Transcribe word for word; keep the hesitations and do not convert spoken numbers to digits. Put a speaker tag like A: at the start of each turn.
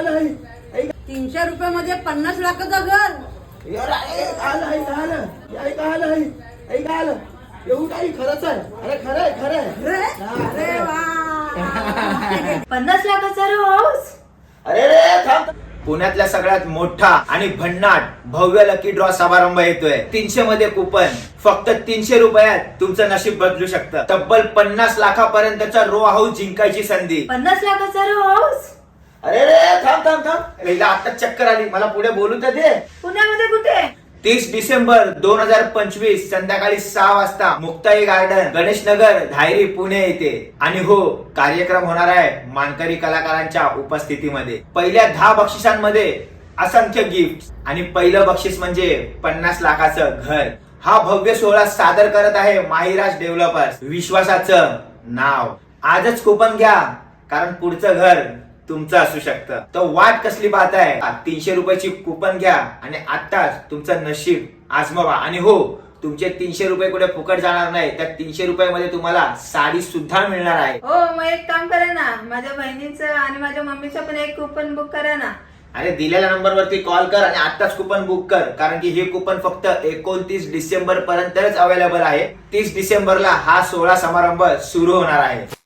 A: तीनशे रुपये मध्ये पन्नास लाखाचं घर.
B: एवढं काही खरंच आहे. अरे खरं आहे खरं आहे.
A: अरे वा,
C: पन्नास लाखाचा रे हाऊस.
B: अरे रे थांब.
D: पुण्यातल्या सगळ्यात मोठा आणि भन्नाट भव्य लकी ड्रॉ समारंभ येतोय. तीनशे मध्ये कुपन, फक्त तीनशे रुपयात तुमचं नशीब बदलू शकतं. तब्बल पन्नास लाखापर्यंतचा रो हाऊस जिंकायची संधी.
C: पन्नास लाखाचा रे हाऊस.
B: अरे रे थांब थांब थांब.
D: हिला आता चक्कर आली, मला पुढे बोलू तर दे.
C: पुण्यामध्ये कुठे?
D: तीस डिसेंबर दोन हजार पंचवीस संध्याकाळी सहा वाजता मुक्ताई गार्डन, गणेश नगर, धायरी, पुणे येथे. आणि हो, कार्यक्रम होणार आहे मानकरी कलाकारांच्या उपस्थितीमध्ये. पहिल्या दहा बक्षिसांमध्ये असंख्य गिफ्ट आणि पहिलं बक्षीस म्हणजे पन्नास लाखाचं घर. हा भव्य सोहळा सादर करत आहे माहिराज डेव्हलपर्स, विश्वासाचं नाव. आजच कुपन घ्या, कारण पुढचं घर तुमचं असू शकतं. तर वाट कसली पाहताय? तीनशे रुपयाची कुपन घ्या आणि आताच तुमचं नशीब आजमावा. आणि हो, तुमचे तीनशे रुपये कुठे फुकट जाणार नाही. त्या तीनशे रुपयामध्ये तुम्हाला साडी सुद्धा मिळणार आहे.
C: हो, मग एक काम करा ना, माझ्या बहिणीचं आणि माझ्या मम्मीचं पण एक कुपन बुक करा ना.
D: अरे दिलेल्या नंबर वरती कॉल कर आणि आताच कुपन बुक कर, कारण की हे कुपन फक्त एकोणतीस डिसेंबर पर्यंतच अवेलेबल आहे. तीस डिसेंबरला हा सोहळा समारंभ सुरू होणार आहे.